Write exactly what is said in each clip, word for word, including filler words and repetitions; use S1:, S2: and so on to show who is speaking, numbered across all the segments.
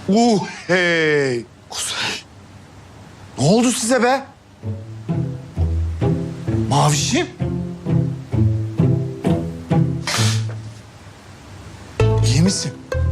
S1: Uh hey. Kuzey. Ne oldu size be? Mavişim. İyi misin?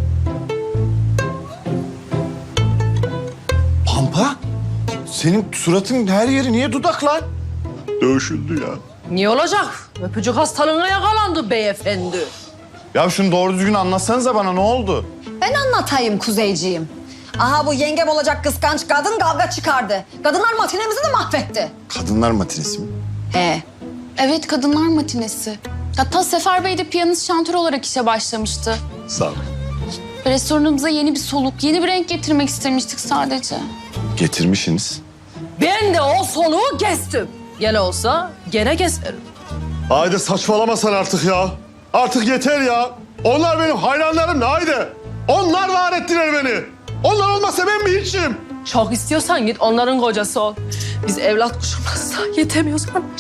S1: Pampa? Senin suratın her yeri niye dudak lan? Dövüşüldü ya.
S2: Niye olacak? Öpücük hastalığına yakalandı beyefendi.
S1: Ya şunu doğru düzgün anlatsanıza bana, ne oldu?
S3: Ben anlatayım Kuzeyciğim. Aha bu yengem olacak kıskanç kadın kavga çıkardı. Kadınlar matinemizi de mahvetti.
S1: Kadınlar matinesi mi?
S3: He.
S4: Evet, kadınlar matinesi. Hatta Sefer Bey de piyanist şantör olarak işe başlamıştı.
S1: Sağ ol.
S4: Restoranımıza yeni bir soluk, yeni bir renk getirmek istemiştik sadece.
S1: Getirmişsiniz.
S2: Ben de o soluğu kestim. Gene olsa gene keserim.
S5: Haydi saçmalama sen artık ya. Artık yeter ya. Onlar benim hayranlarım haydi. Onlar var ettiler beni. Onlar olmasa ben mi hiçim?
S2: Çok istiyorsan git onların kocası ol. Biz evlat kuşumuzsa yetemiyoruz anlaş.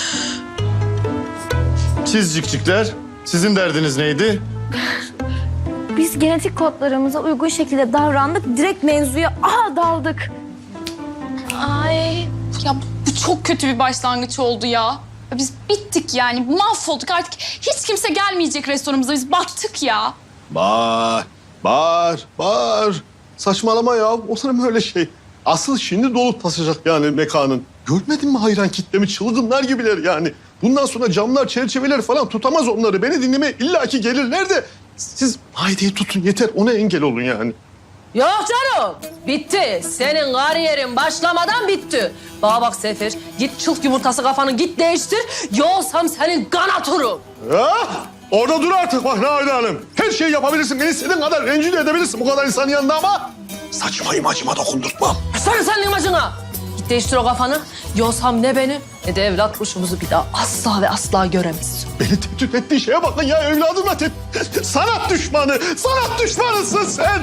S1: Siz cikcikler, sizin derdiniz neydi?
S6: Biz genetik kodlarımıza uygun şekilde davrandık. Direkt mevzuya aha daldık.
S4: Ay, ya bu çok kötü bir başlangıç oldu ya. Biz bittik yani, mahvolduk artık. Hiç kimse gelmeyecek restoranımıza, biz battık ya.
S5: Bağır, bağır, bağır. Saçmalama ya. Olur mu öyle şey? Asıl şimdi dolup taşacak yani mekanın. Görmedin mi hayran kitlemi? Çılgınlar gibiler yani. Bundan sonra camlar, çerçeveler falan tutamaz onları. Beni dinlemeye illaki gelirler de siz Haydi'yi tutun yeter. Ona engel olun yani.
S2: Yok canım. Bitti. Senin kariyerin başlamadan bitti. Bana bak Sefer. Git çılk yumurtası kafanı git değiştir. Yoksam senin kanatırım.
S5: Ah! Orada dur artık bak Nahide Hanım. Her şeyi yapabilirsin. Beni istediğin kadar rencide edebilirsin bu kadar insanın yanında ama saçma imajıma dokundurtmam.
S2: Sen senin imajına. Git değiştir o kafanı. Yoksam ne beni ne de evlat kuşumuzu bir daha asla ve asla göremezsin.
S5: Beni tehdit ettiğin şeye bakın ya evladımla te... Sanat düşmanı, sanat düşmanısın sen.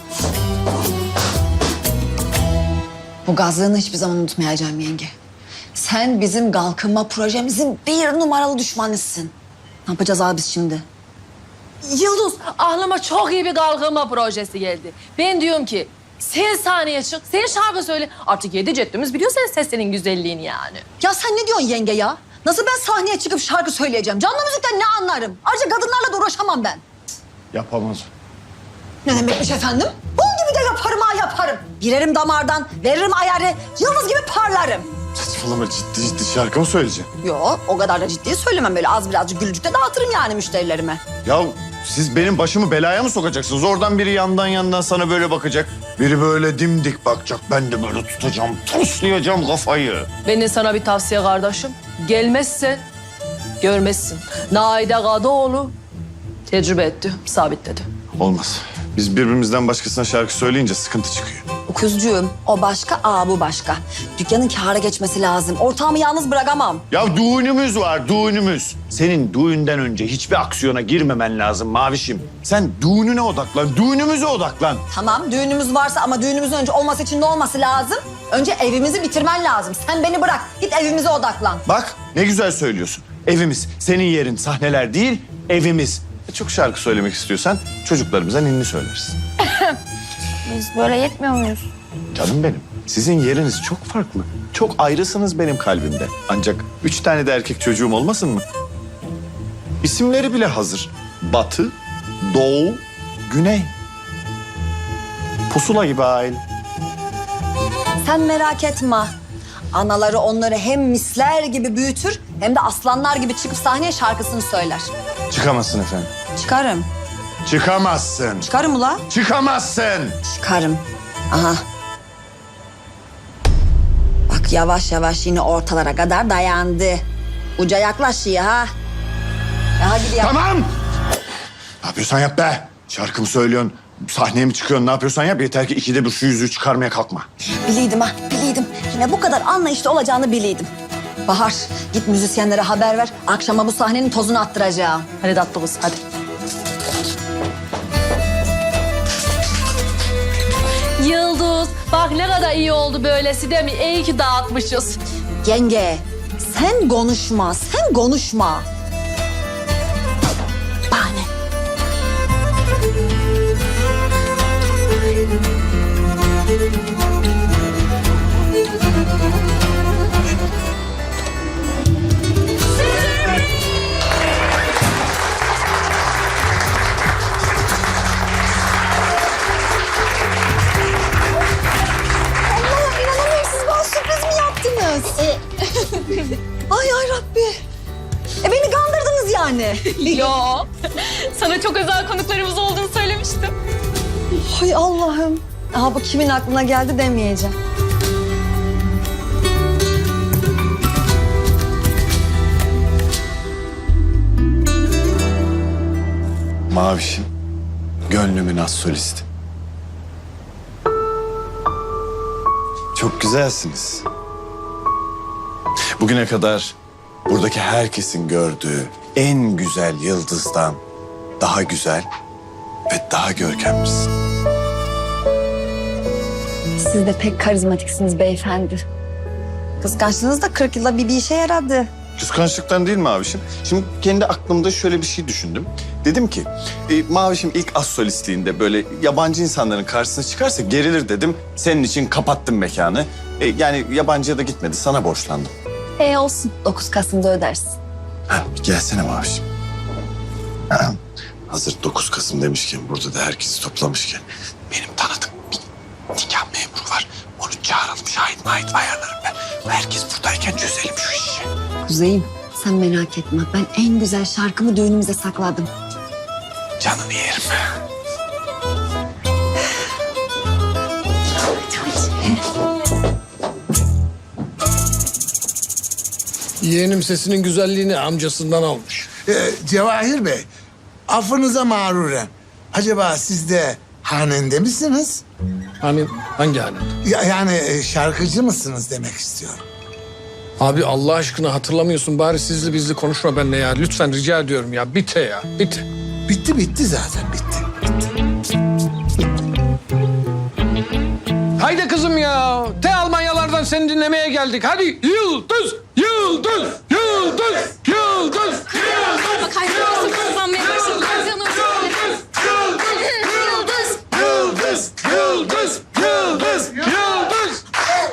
S3: Bu gazlığını hiçbir zaman unutmayacağım yenge. Sen bizim kalkınma projemizin bir numaralı düşmanısın. Ne yapacağız abi biz şimdi?
S2: Yıldız, aklıma çok iyi bir kalkınma projesi geldi. Ben diyorum ki sen sahneye çık, sen şarkı söyle. Artık yedi ceddimiz biliyor senin sesinin güzelliğini yani.
S3: Ya sen ne diyorsun yenge ya? Nasıl ben sahneye çıkıp şarkı söyleyeceğim? Canlı müzikten ne anlarım? Ayrıca kadınlarla da uğraşamam ben.
S1: Yapamaz.
S3: Ne demekmiş efendim? Bunun gibi de yaparım ha yaparım. Girerim damardan, veririm ayarı, yıldız gibi parlarım.
S1: Saçmalama, ciddi ciddi şarkı mı söyleyeceğim?
S3: Yo, o kadar da ciddi söylemem, böyle az birazcık gülücük de dağıtırım yani müşterilerime.
S1: Ya siz benim başımı belaya mı sokacaksınız? Oradan biri yandan yandan sana böyle bakacak. Biri böyle dimdik bakacak. Ben de böyle tutacağım, toslayacağım kafayı.
S2: Benim sana bir tavsiye kardeşim. Gelmezsen görmezsin. Naide Kadıoğlu tecrübe etti, sabitledi.
S1: Olmaz. Biz birbirimizden başkasına şarkı söyleyince sıkıntı çıkıyor.
S3: Kuzcuğum, o başka, aa bu başka. Dükkanın kâra geçmesi lazım. Ortağımı yalnız bırakamam.
S1: Ya düğünümüz var, düğünümüz. Senin düğünden önce hiçbir aksiyona girmemen lazım Mavişim. Sen düğününe odaklan, düğünümüze odaklan.
S3: Tamam, düğünümüz varsa ama düğünümüzün önce olması için ne olması lazım? Önce evimizi bitirmen lazım. Sen beni bırak, git evimize odaklan.
S1: Bak ne güzel söylüyorsun. Evimiz, senin yerin sahneler değil, evimiz. E, çok şarkı söylemek istiyorsan çocuklarımıza ninni söylersin.
S6: Biz böyle yetmiyor muyuz?
S1: Canım benim, sizin yeriniz çok farklı. Çok ayrısınız benim kalbimde. Ancak üç tane de erkek çocuğum olmasın mı? İsimleri bile hazır. Batı, Doğu, Güney. Pusula gibi aile.
S3: Sen merak etme. Anaları onları hem misler gibi büyütür hem de aslanlar gibi çıkıp sahneye şarkısını söyler.
S1: Çıkamazsın efendim.
S3: Çıkarım.
S1: Çıkamazsın.
S3: Çıkarım ula.
S1: Çıkamazsın.
S3: Çıkarım. Aha. Bak yavaş yavaş yine ortalara kadar dayandı. Uca yaklaşıyor ha. Ya hadi ya.
S1: Tamam. Ne yapıyorsan yap be. Şarkı mı söylüyorsun? Sahneye mi çıkıyorsun? Ne yapıyorsan yap. Yeter ki ikide bir şu yüzüğü çıkarmaya kalkma.
S3: Biliydim ha, biliydim. Yine bu kadar anlayışlı olacağını biliydim. Bahar, git müzisyenlere haber ver. Akşama bu sahnenin tozunu attıracağım.
S2: Hadi tatlı kız, hadi. Yıldız, bak ne kadar iyi oldu böylesi değil mi? İyi ki dağıtmışız.
S3: Yenge, sen konuşma, sen konuşma. Bahane.
S4: Yo. Sana çok özel konuklarımız olduğunu söylemiştim.
S3: Hay Allah'ım. Aha bu kimin aklına geldi demeyeceğim.
S1: Mavişim, gönlümün az solisti. Çok güzelsiniz. Bugüne kadar buradaki herkesin gördüğü en güzel yıldızdan daha güzel ve daha görkemlisin.
S3: Siz de pek karizmatiksiniz beyefendi. Kıskançlığınız da kırk yılda bir, bir işe yaradı.
S1: Kıskançlıktan değil Mavişim. Şimdi kendi aklımda şöyle bir şey düşündüm. Dedim ki e, Mavişim ilk az solistliğinde böyle yabancı insanların karşısına çıkarsa gerilir dedim. Senin için kapattım mekanı. E, yani yabancıya da gitmedi, sana borçlandım.
S3: E olsun. dokuz Kasım'da ödersin.
S1: Ha, gelsene Mavişim. Ha, hazır dokuz Kasım demişken, burada da herkesi toplamışken benim tanıdığım bir nikah memuru var. Onu çağıralım, şahit mahit ayarlarım ben. Herkes buradayken çözelim şu işi.
S3: Kuzeyim sen merak etme. Ben en güzel şarkımı düğünümüze sakladım.
S1: Canını yerim.
S7: Yeğenim sesinin güzelliğini amcasından almış.
S8: Ee, Cevahir Bey, affınıza mağruren. Acaba siz de hanende misiniz?
S7: Hani hangi hanet?
S8: Ya, yani e, şarkıcı mısınız demek istiyorum.
S7: Abi Allah aşkına hatırlamıyorsun. Bari sizli bizli konuşma benimle ya. Lütfen rica ediyorum ya. Bite ya. Bite.
S8: Bitti bitti zaten bitti.
S7: Haydi kızım ya. Te Almanyalardan seni dinlemeye geldik. Hadi yıldız, yıldız, yıldız, yıldız.
S4: Bak hayranlarım kazanmaya başladı. Canım.
S7: Yıldız, yıldız, yıldız, yıldız, yıldız.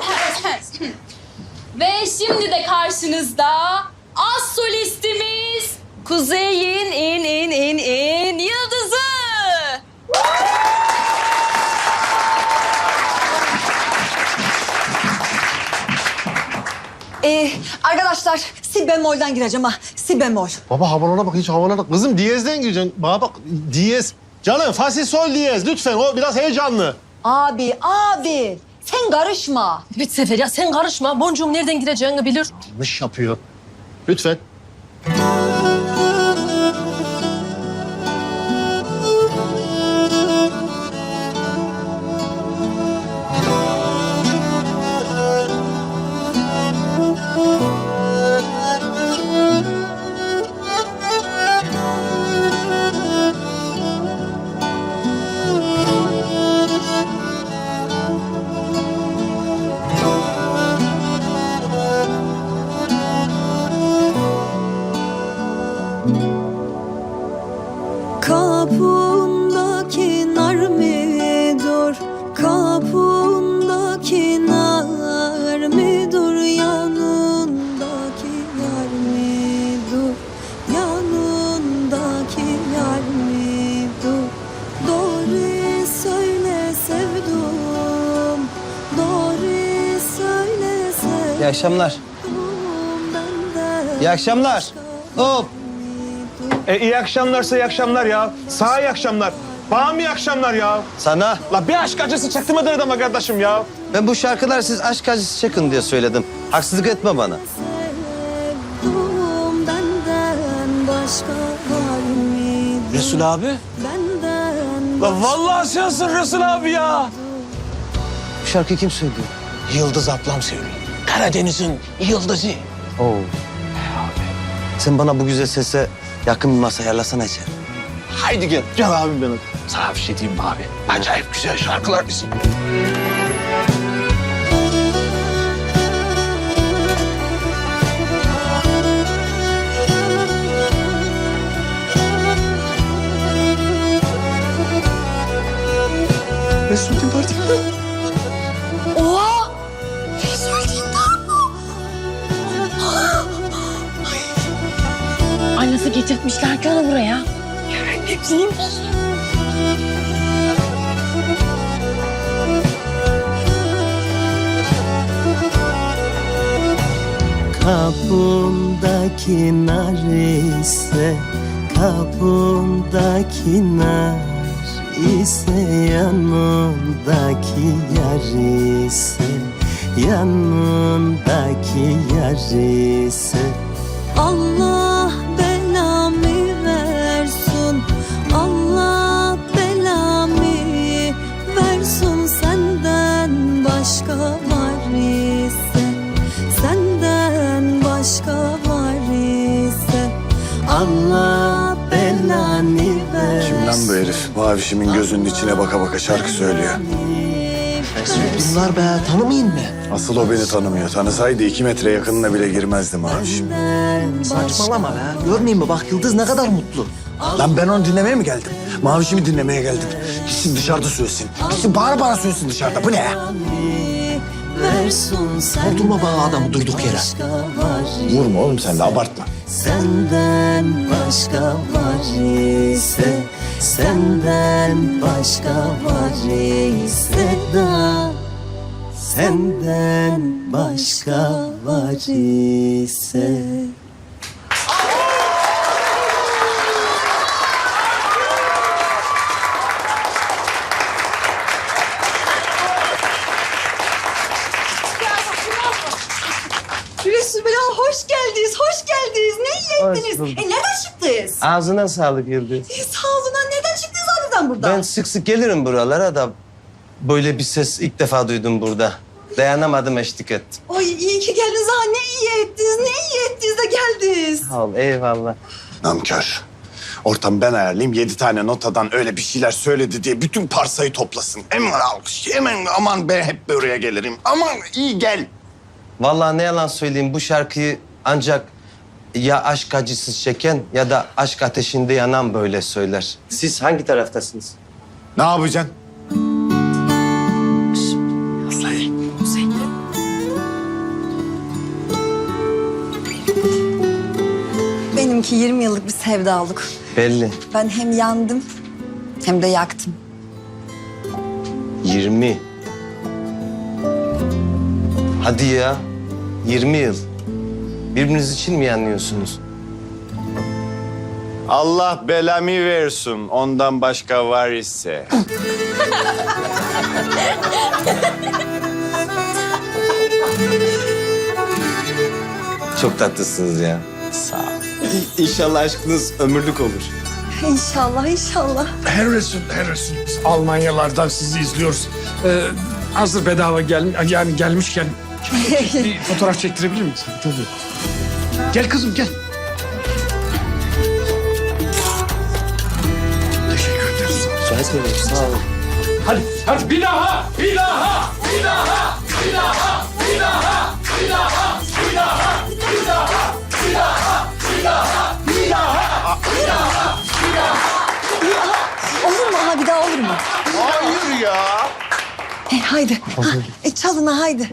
S4: Ve şimdi de karşınızda az solistimiz Kuzey'in in in in in yıldızı.
S3: Ee, arkadaşlar si bemolden gireceğim ha. Si bemol.
S5: Baba havalara bak, hiç havalara. Kızım diyezden gireceksin. Bana bak, diyez. Canım fa si sol diyez lütfen, o biraz heyecanlı.
S3: Abi abi sen karışma.
S2: Evet Sefer ya sen karışma. Boncuğum nereden gireceğini bilir.
S5: Yanlış yapıyor. Lütfen.
S9: Kapındaki nar mı dur, kapındaki nar mı dur, yanındaki yar mı dur, yanındaki yar mı dur. Doğru söyle sevdum, doğru söyle sevdum.
S10: İyi akşamlar.
S9: Benden
S10: İyi akşamlar. Hop.
S11: E iyi akşamlarsa iyi akşamlar ya. Sağ iyi akşamlar. Bana mı iyi akşamlar ya?
S10: Sana.
S11: La bir aşk acısı çaktırmadın adama kardeşim ya.
S10: Ben bu şarkılar siz aşk acısı çekin diye söyledim. Haksızlık etme bana.
S9: sevdum, benden başka var mıydı?
S11: Resul abi.
S9: Benden
S11: La vallahi sensin Resul abi ya.
S10: Bu şarkıyı kim söylüyor?
S11: Yıldız ablam söylüyor. Karadeniz'in yıldızı.
S10: Oo. Sen bana bu güzel sese yakın bir masa ayarlasana içeri.
S11: Haydi gel. Gel abim benim. Sana bir şey diyeyim mi abi? Acayip güzel şarkılar bizim.
S1: Resul'ün partisi.
S3: Oha! Resul Dindar mı?
S2: Ay nasıl getirtmişler ki onu buraya?
S9: kapımdaki nar ise Kapımdaki nar ise yanımdaki yar ise yanımdaki yar ise Allah belamı versin, Allah belamı versin, senden başka var ise, senden başka var ise Allah belanı versin.
S1: Kim lan bu herif? Mavişimin gözünün içine baka baka şarkı söylüyor.
S10: Bunlar be tanımayın mı?
S1: Asıl o beni tanımıyor. Tanısaydı iki metre yakınına bile girmezdi Mavişim.
S10: Saçmalama be. Görmeyeyim mi? Bak Yıldız ne kadar mutlu. Lan ben onu dinlemeye mi geldim? Mavişimi dinlemeye geldim. Gitsin dışarıda söylesin. Gitsin bağıra bağıra söylesin dışarıda. Bu ne ya? Vurdurma bana adamı durduk yere.
S1: Vurma oğlum sen de abartma.
S9: Senden başka var ise, senden başka var ise da, senden başka var ise.
S3: Resulullah hoş geldiniz, hoş geldiniz. Ne iyi ettiniz? E nereden çıktınız?
S10: Ağzına sağlık Yıldız.
S3: E, sağ olun. ha, Neden çıktınız harbiden buradan?
S10: Ben sık sık gelirim buralara da böyle bir ses ilk defa duydum burada. Dayanamadım, eşlik ettim.
S3: Oy iyi ki geldiniz ha. Ne iyi ettiniz, ne iyi ettiniz de geldiniz.
S10: Sağ ol, eyvallah.
S1: Namkör. Ortam ben ayarlayayım. Yedi tane notadan öyle bir şeyler söyledi diye bütün parsayı toplasın. Hemen alkış, hemen aman ben hep buraya gelirim. Aman iyi gel.
S10: Vallahi ne yalan söyleyeyim, bu şarkıyı ancak ya aşk acısı çeken ya da aşk ateşinde yanan böyle söyler. Siz hangi taraftasınız?
S1: Ne yapacaksın?
S3: Benimki yirmi yıllık bir sevdalık.
S10: Belli.
S3: Ben hem yandım hem de yaktım.
S10: Yirmi. Hadi ya. Yirmi yıl. Birbiriniz için mi yanıyorsunuz?
S1: Allah belamı versin. Ondan başka var ise.
S10: Çok tatlısınız ya.
S1: Sağ ol.
S10: İnşallah aşkınız ömürlük olur.
S3: İnşallah, inşallah.
S7: Her Resul, her Resul. Biz Almanyalardan sizi izliyoruz. Ee, hazır bedava gel, yani gelmişken bir fotoğraf çektirebilir misin? Tabii. Gel kızım gel. Teşekkür ederiz.
S10: Rica ederim, sağ olun.
S7: Hadi, hadi bir daha, bir daha, bir daha, bir daha, bir daha, bir daha, bir daha, bir daha, bir daha, bir daha, bir daha, bir daha, bir daha.
S3: Olur mu? Ha bir daha olur mu?
S1: Hayır ya.
S3: E, haydi. Ha, e, çalın ha haydi.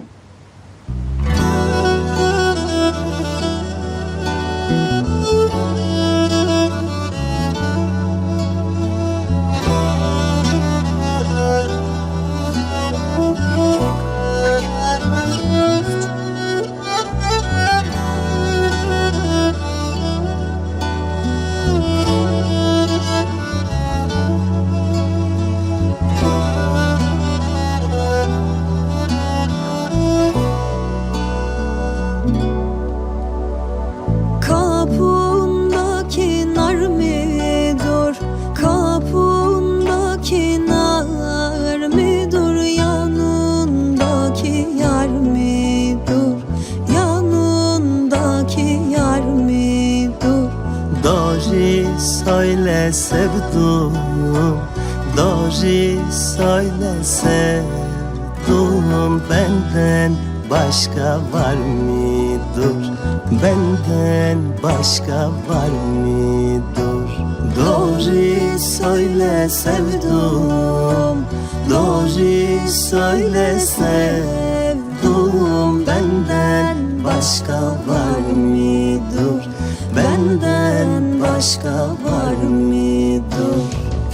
S9: Kapındaki nar mıdır? Kapındaki nar mıdır? Yanındaki yar mıdır? Yanındaki yar mıdır? Doğru söyle sevdum, doğru söyle sevdum, benden başka var mıdır? Benden başka var mıdır? Doğru söyle sevdum, doğru söyle sevdum, benden başka var mıdır? Benden başka var mıdır?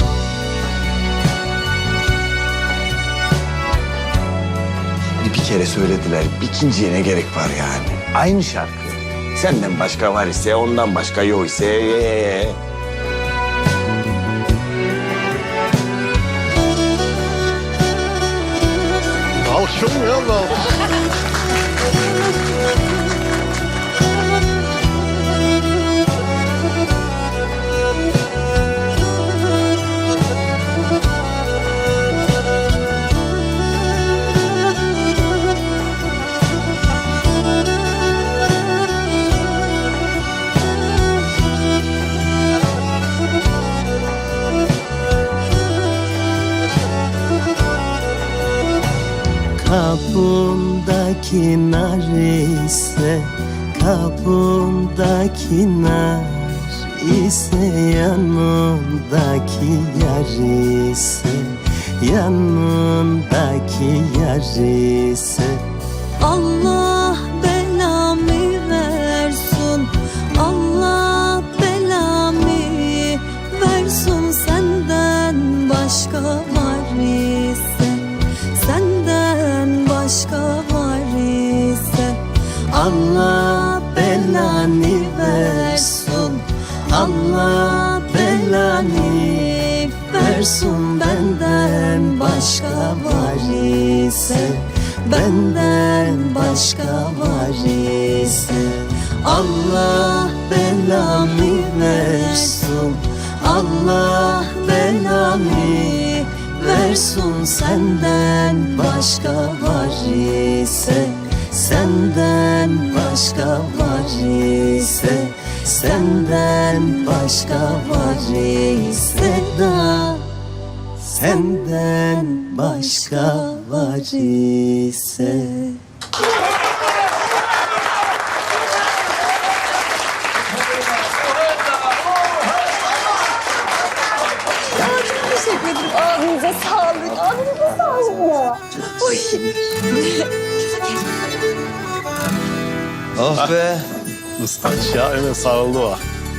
S1: Bir kere söylediler. Bir ikinciye ne gerek var yani? Aynı şarkı. Senden başka var ise, ondan başka yok ise. Ee,
S5: Şunu ya Allah.
S9: Kapımdaki nar ise, kapımdaki nar ise, yanımdaki yar ise, yanımdaki yar ise. Allah belamı versin, Allah belamı versin, senden başka var ise, senden başka var ise. Allah belanı versin, Allah belanı versin, benden başka var ise, benden başka var ise. Allah belanı versin, Allah belanı versin, senden başka var ise, senden başka var ise, senden başka var ise da, senden başka var ise.
S3: Teşekkür ederim. Ağzınıza sağlık. Ağzınıza sağlık ya. Oy.
S10: Oh be.
S5: Islaç ya, hemen sarıldı o.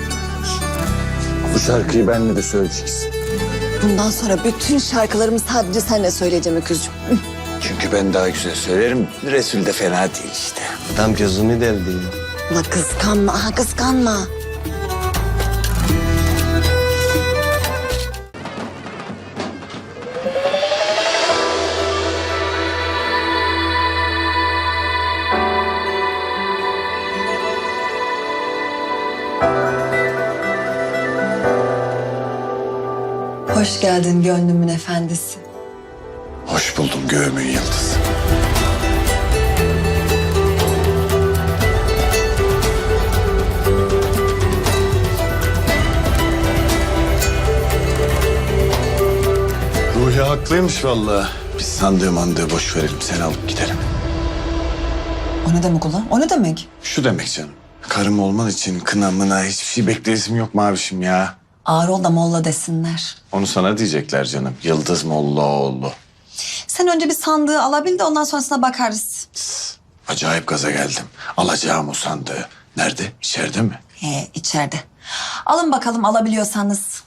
S10: Bu şarkıyı benimle de söyleyeceksin.
S3: Bundan sonra bütün şarkılarımı sadece seninle söyleyeceğim Öküzcüğüm.
S10: Çünkü ben daha güzel söylerim. Resul de fena değil işte.
S9: Adam gözümü deldi.
S3: Ulan kıskanma, aha kıskanma. Hoş geldin gönlümün efendisi.
S1: Hoş buldum göğümün yıldızı. Ruhi haklıymış vallahi. Biz sandığı mandığı boş verelim, sen alıp gidelim.
S3: O ne demek ulan? O ne demek?
S1: Şu demek canım. Karım olman için kına mına hiçbir şey bekleyesim yok mavişim ya.
S3: Ağır ol da molla desinler.
S1: Onu sana diyecekler canım. Yıldız Mollaoğlu.
S3: Sen önce bir sandığı alabil de ondan sonrasına bakarız.
S1: Acayip gaza geldim. Alacağım o sandığı. Nerede? İçeride mi?
S3: He, içeride. Alın bakalım alabiliyorsanız.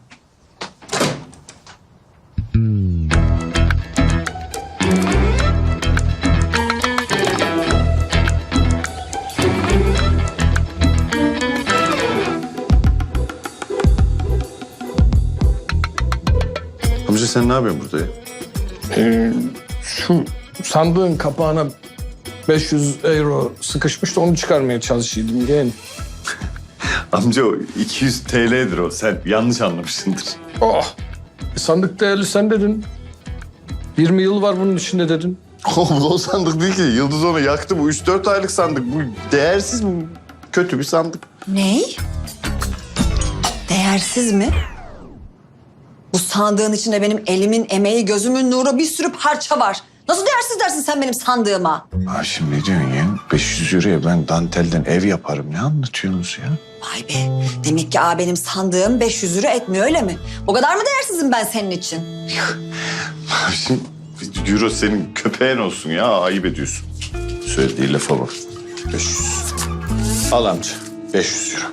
S1: Amca sen ne yapıyorsun burada ya?
S7: Ee, şu sandığın kapağına beş yüz euro sıkışmıştı, onu çıkarmaya çalışıyordum yeğen.
S1: Amca o iki yüz T L'dir o. Sen yanlış anlamışsındır.
S7: Oh! E, sandık değerli sen dedin. yirmi yıl var bunun içinde dedin.
S1: Oğlum o sandık değil ki. Yıldız onu yaktı. Bu üç dört aylık sandık. Bu değersiz, bu kötü bir sandık.
S3: Ney? Değersiz mi? Bu sandığın içinde benim elimin emeği, gözümün nuru, bir sürü parça var. Nasıl değersiz dersin sen benim sandığıma?
S1: Ha şimdi ne diyorsun ya? beş yüz euroya ben dantelden ev yaparım. Ne anlatıyorsunuz ya?
S3: Vay be. Demek ki aa, benim sandığım beş yüz lira etmiyor öyle mi? O kadar mı değersizim ben senin için?
S1: Şimdi euro senin köpeğin olsun ya. Ayıp ediyorsun. Söylediği lafa bak. beş yüz. Al amca. beş yüz euro.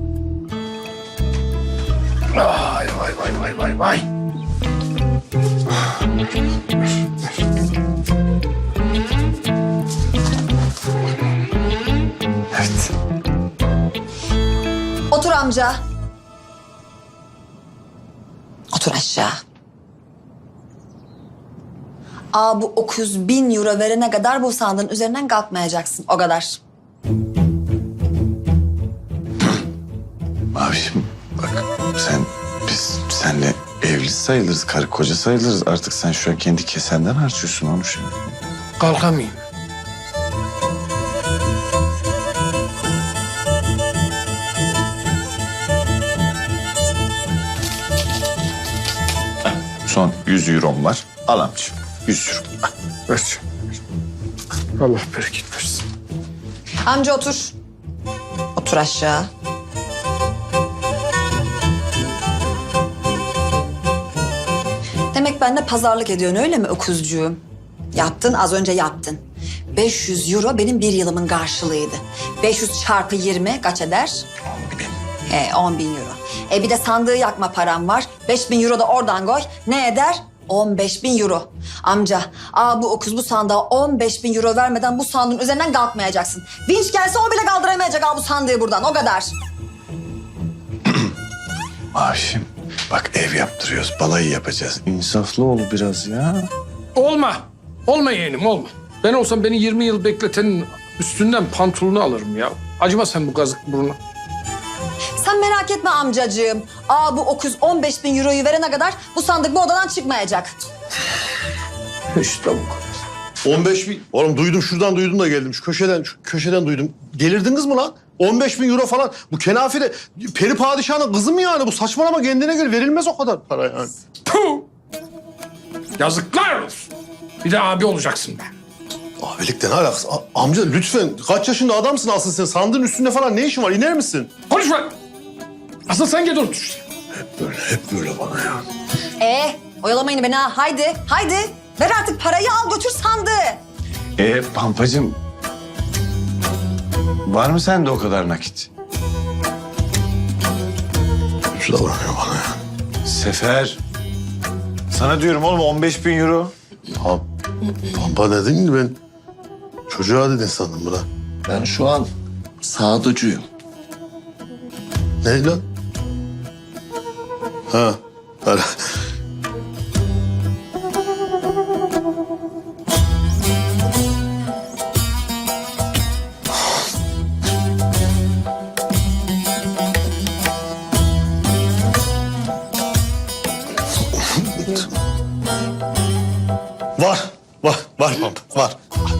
S1: Vay vay vay vay vay vay. Evet.
S3: Otur amca. Otur aşağı. Aa bu dokuz bin euro verene kadar bu sandığın üzerinden kalkmayacaksın. O kadar.
S1: Mavişim bak sen biz senle evli sayılırız, karı koca sayılırız. Artık sen şu an kendi kesenden harcıyorsun onu şimdi.
S7: Kalkamayayım.
S1: Son yüz eurom var. Al amcım. yüz euro. Al.
S7: Ver. Allah bereket versin.
S3: Amca otur. Otur aşağı. Demek benimle pazarlık ediyorsun öyle mi öküzcüğüm? Yaptın, az önce yaptın. beş yüz euro benim bir yılımın karşılığıydı. beş yüz çarpı yirmi kaç eder?
S1: on bin.
S3: He, on bin euro. E bir de sandığı yakma param var. beş bin euro da oradan koy. Ne eder? on beş bin euro. Amca, aa bu okuz bu sandığa on beş bin euro vermeden bu sandığın üzerinden kalkmayacaksın. Vinç gelse o bile kaldıramayacak aa bu sandığı buradan. O kadar.
S1: Mavişim bak ev yaptırıyoruz, balayı yapacağız. İnsaflı ol biraz ya.
S7: Olma. Olma yeğenim olma. Ben olsam beni yirmi yıl bekletenin üstünden pantolonu alırım ya. Acıma sen bu kazık burnu.
S3: Sen merak etme amcacığım. Aa bu okuz on beş bin euroyu verene kadar bu sandık bu odadan çıkmayacak.
S7: İşte bu kadar.
S5: on beş bin. Oğlum duydum şuradan duydum da geldim. Şu köşeden şu köşeden duydum. Delirdiniz mi lan? on beş bin euro falan. Bu kenafire peri padişahının kızı mı yani? Bu saçmalama kendine göre verilmez o kadar para yani.
S7: Puh! Yazıklar olsun. Bir de abi olacaksın be.
S5: Abilikten ne alakası? A- amca lütfen kaç yaşında adamsın aslında sen? Sandığın üstünde falan ne işin var? İner misin?
S7: Konuşma. Asıl sen gel otur.
S5: Hep böyle, hep böyle bana ya.
S3: Ee, oyalamayın beni ha. Haydi, haydi. Ver artık parayı al götür sandığı.
S1: E Pampacığım var mı sende o kadar nakit?
S5: Şu da bırakıyor bana ya.
S1: Sefer. Sana diyorum oğlum on beş bin euro.
S5: Ha, Pampa dedin ki ben çocuğa dedin sandım buna.
S9: Ben şu an sağducuyum.
S5: Ne lan? Ha, para. Var, var, var Pampa, var.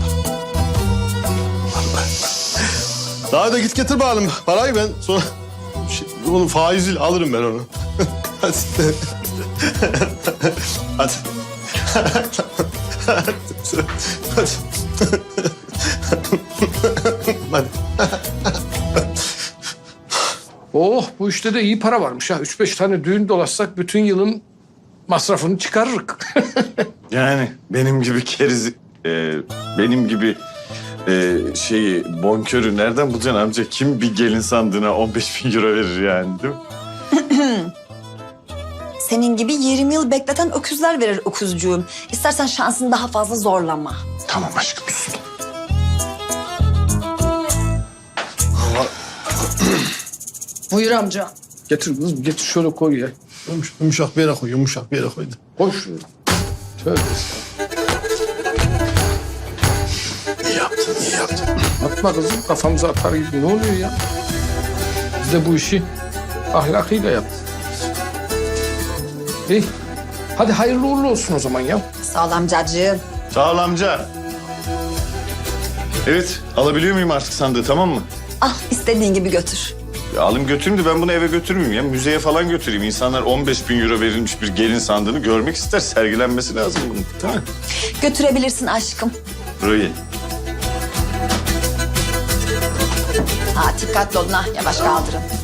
S5: Daha da git getir bakalım parayı ben sonra şey, onun faiziyle alırım ben onu. Hadi. Hadi. Hadi. Hadi.
S7: Oh bu işte de iyi para varmış ha. Üç beş tane düğün dolaşsak bütün yılın masrafını çıkarırık.
S1: Yani benim gibi keriz, e, benim gibi e, şeyi bonkörü nereden bulacaksın amca? Kim bir gelin sandığına on beş bin euro verir yani değil mi?
S3: Senin gibi yirmi yıl bekleten öküzler verir öküzcüğüm. İstersen şansını daha fazla zorlama.
S1: Tamam aşkım sus.
S2: Buyur amca.
S7: Getir kızım getir şöyle koy ya.
S5: Yumuş- Yumuşak bir yere koy, yumuşak bir yere koy.
S7: Koy şuraya. Tövbe estağfurullah.
S5: İyi yaptın, iyi yaptın.
S7: Atma kızım kafamıza atar gibi ne oluyor ya? Biz de bu işi ahlakıyla yaptık. İyi. Hadi hayırlı uğurlu olsun o zaman ya.
S3: Sağ ol amcacığım.
S1: Sağ ol amca. Evet alabiliyor muyum artık sandığı tamam mı?
S3: Al istediğin gibi götür.
S1: Ya alayım götüreyim de ben bunu eve götürmeyeyim ya. Müzeye falan götüreyim. İnsanlar on beş bin euro verilmiş bir gelin sandığını görmek ister. Sergilenmesi lazım bunun. Değil mi?
S3: Götürebilirsin aşkım.
S1: Burayı.
S3: Ha dikkatli olun ha yavaş kaldırın.